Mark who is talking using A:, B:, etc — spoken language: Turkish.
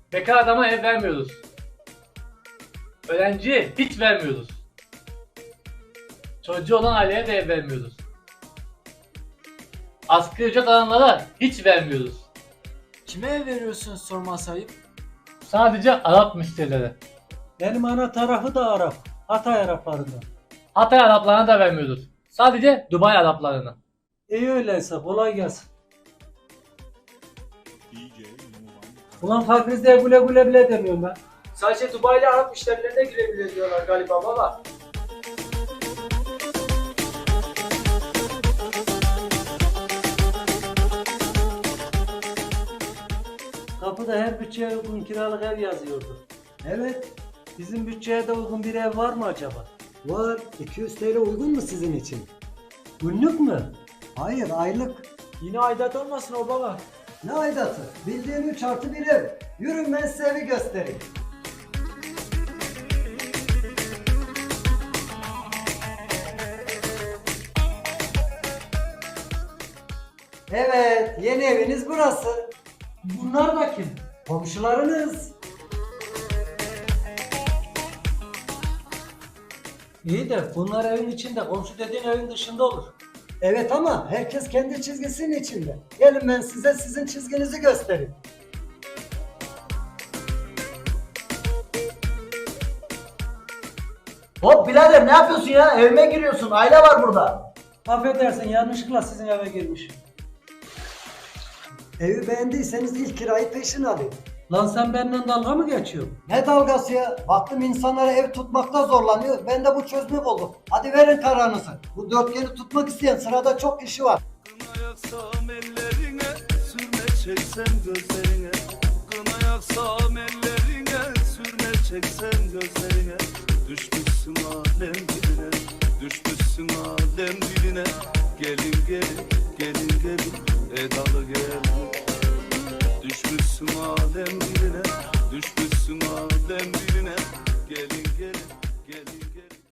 A: Bekar adama ev vermiyoruz. Öğrenciye hiç vermiyoruz. Çocuğu olan aileye de ev vermiyoruz. Asgari ücret alanlara hiç vermiyoruz.
B: Kime ev veriyorsunuz sorması ayıp?
A: Sadece Arap müşterilere.
C: Benim ana tarafı da Arap. Hatay Araplarından.
A: Hatay Araplarına da vermiyoruz. Sadece Dubai Araplarına.
C: İyi öyleyse kolay gelsin. Ulan Fakriz'de güle güle bile demiyorum ben.
B: Sadece Dubai'li Arap müşterilerine girebilir diyorlar galiba baba.
C: Kapıda her bütçeye uygun kiralık ev yazıyordu.
D: Evet,
C: Bizim bütçeye de uygun bir ev var mı acaba?
D: var. 200 TL uygun mu sizin için?
C: Günlük mü?
D: Hayır, aylık.
B: Yine aidat olmasın o baba.
D: Ne aidatı? Bildiğin 3+1 ev. Yürün ben size evi göstereyim. Evet, yeni eviniz burası.
C: Bunlar da kim?
D: Komşularınız.
C: İyi de bunlar evin içinde, komşu dediğin evin dışında olur.
D: Evet ama herkes kendi çizgisinin içinde. Gelin ben size sizin çizginizi göstereyim.
E: Hop birader ne yapıyorsun ya? Evime giriyorsun. Aile var burada.
C: Affedersin yanlışlıkla sizin eve girmişim.
D: Evi beğendiyseniz ilk kirayı peşin alayım.
C: Lan sen benimle dalga mı geçiyorsun?
D: Ne dalgası ya? Baktım insanlara ev tutmakta zorlanıyor. Ben de bu çözümü buldum. Hadi verin kararınızı. Bu dörtgeni tutmak isteyen sırada çok kişi var.
F: Kına yaksam ellerine, sürme çeksem gözlerine. Kına yaksam ellerine, sürme çeksem gözlerine. Düşmüşsün alem diline, düşmüşsün alem diline. Gelin gelin, gelin gelin, edalı gelin. Düşmüşsün alem